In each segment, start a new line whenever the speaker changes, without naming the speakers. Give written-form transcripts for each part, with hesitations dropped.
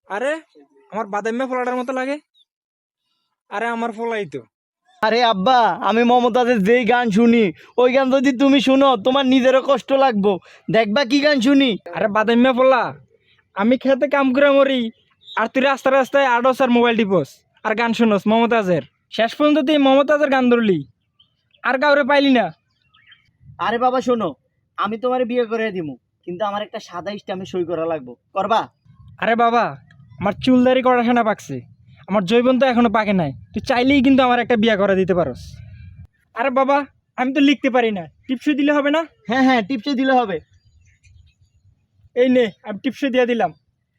আরে আমার বাদামি ফলাটার মতো লাগে। আরে আমার ফলাই তো।
আরে আব্বা, আমি মমতাজের যেই গান শুনি ওই গান যদি তুমি শুনো তোমার নিজেরও কষ্ট লাগবো। দেখবা কি গান শুনি।
আরে বাদামি ফলা, আমি খেতে কাম করে মরি আর তুই রাস্তায় রাস্তায় আডস আর মোবাইল টিপস আর গান শুনস মমতাজের। শেষ পর্যন্ত তুই মমতাজের গান ধরলি আর কাউরে পাইলি না।
আরে বাবা শোনো, আমি তোমার বিয়ে করে দিমু, কিন্তু আমার একটা সাদা স্ট্যাম্পে সই করা লাগবো, করবা?
আরে বাবা, আমার চুলদারি করা সেনা পাকছে, আমার জৈবন তো এখনো পাকে নাই, তুই চাইলেই কিন্তু আমার একটা বিয়ে করে দিতে পারস। আরে বাবা, আমি তো লিখতে পারি না, টিপসই দিলে হবে না?
হ্যাঁ হ্যাঁ, টিপসে দিলে হবে।
এই নে, আমি টিপসই দিয়ে দিলাম।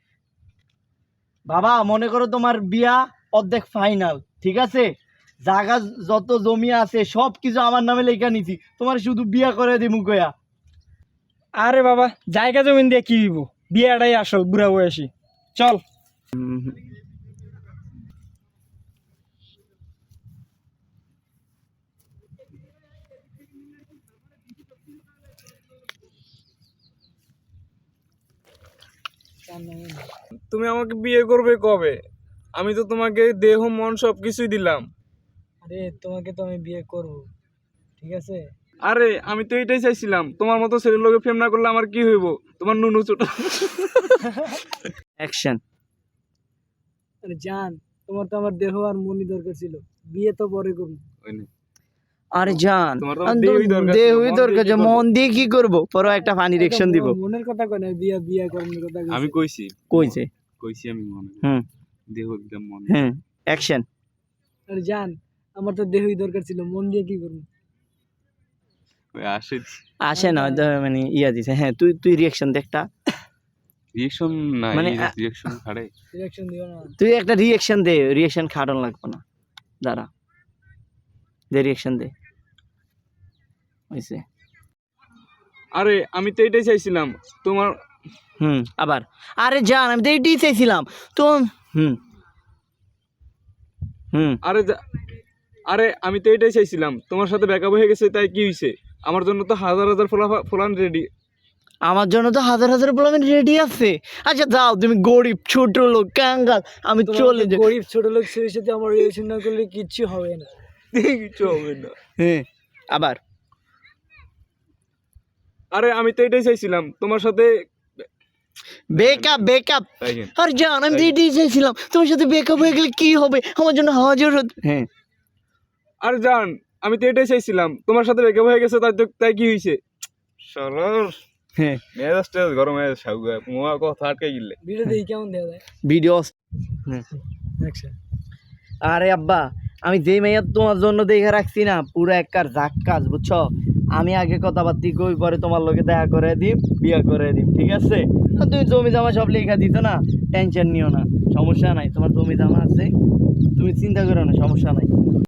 বাবা মনে করো তোমার বিয়া অর্ধেক ফাইনাল, ঠিক আছে? জায়গা যত জমি আছে সব কিছু আমার নামে লেখা নিছি, তোমার শুধু বিয়া করে দিমু কয়া।
আরে বাবা, জায়গা জমিন দিয়ে কি দিব, বিয়েটাই আসল বুড়া বয়সী। চল।
তুমি আমাকে বিয়ে করবে কবে? আমি তো তোমাকে দেহ মন সবকিছুই দিলাম।
আরে তোমাকে তো আমি বিয়ে করব, ঠিক আছে?
আরে আমি তো এটাই চাইছিলাম, তোমার মতো ছেলের লোকে প্রেম না করলে আমার কি হইব? তোমার নুনু ছোট।
অ্যাকশন।
আরে জান, তোমার তো আমার দেহ আর মনই দরকার ছিল, বিয়ে তো পরে করব।
আরে জান,
তোমার তো দেহই দরকার ছিল,
দেহই
মন
দরকার,
দিয়ে কি
মন দিয়ে কি করবো? পরে একটা ফানি রিঅ্যাকশন দিব।
মনের কথা কয় না, বিয়ে বিয়ে করার কথা কইছি।
আমি কইছি
কইছে।
কইছি আমি মনে
হুম
দেহ একদম মন।
হ্যাঁ, অ্যাকশন।
আরে জান, আমার তো দেহই দরকার ছিল, মন দিয়ে কি করব?
ওই আসে
আসে না মানে ইয়া দিছে। হ্যাঁ, তুই তুই রিঅ্যাকশন দে একটা।
রিঅ্যাকশন না,
মানে
এই রিঅ্যাকশন ছাড়ে।
রিঅ্যাকশন দিও না।
তুই একটা রিঅ্যাকশন দে, রিঅ্যাকশন খাটন লাগবে না। দাঁড়া, দে রিঅ্যাকশন দে। হইছে।
আরে আমি তো এটাই চাইছিলাম তোমার।
আবার। আরে জান, আমি তো এইটাই চাইছিলাম তো। হুম হুম
আরে আমি তো এটাই চাইছিলাম, তোমার সাথে ব্যাকআপ হয়ে গেছে, তাই কি হইছে? আমার জন্য তো হাজার হাজার ফলান রেডি।
আমার জন্য তো হাজার হাজার পোলাপান রেডি আছে। আচ্ছা যাও, তুমি গরিব ছোট লোক কাঙ্গাল, আমি চলে যাই।
গরিব ছোট লোক ছেলের সাথে আমার রিলেশন না করলে কিচ্ছু হবে না।
কিছু হবে না।
হ্যাঁ, আবার।
আরে আমি তো এটাই চাইছিলাম তোমার সাথে।
Breakup breakup.
তাই কেন?
আর জান, আমি তো এটাই চাইছিলাম, তোমার সাথে বেকআপ হয়ে গেলে কি হবে? আমার জন্য হাজার হ্যাঁ।
আর জান, আমি তো এটাই চাইছিলাম তোমার সাথে ব্রেকআপ হয়ে গেছে, তাই কি হয়েছে? সরল
হ্যাঁ,
মেজাজটা গরম হয়ে সাউগা মোয়া কথা আটকে গিলে।
ভিডিও দেখি কেমন দেওয়া যায়।
ভিডিও।
অ্যাকশন।
আরে আব্বা, আমি যে মেয়ে তোমার জন্য দেখে রাখছি না, পুরো একবার জাক্কাস, বুঝছো? আমি আগে কথাবার্তি কই, পরে তোমার লোকে দেখা করে দিই, বিয়ে করে দিই, ঠিক আছে? আর তুমি জমি জমা সব লেখা দিত না, টেনশন নিও না, সমস্যা নাই। তোমার জমি জমা আছে, তুমি চিন্তা করো না, সমস্যা নাই।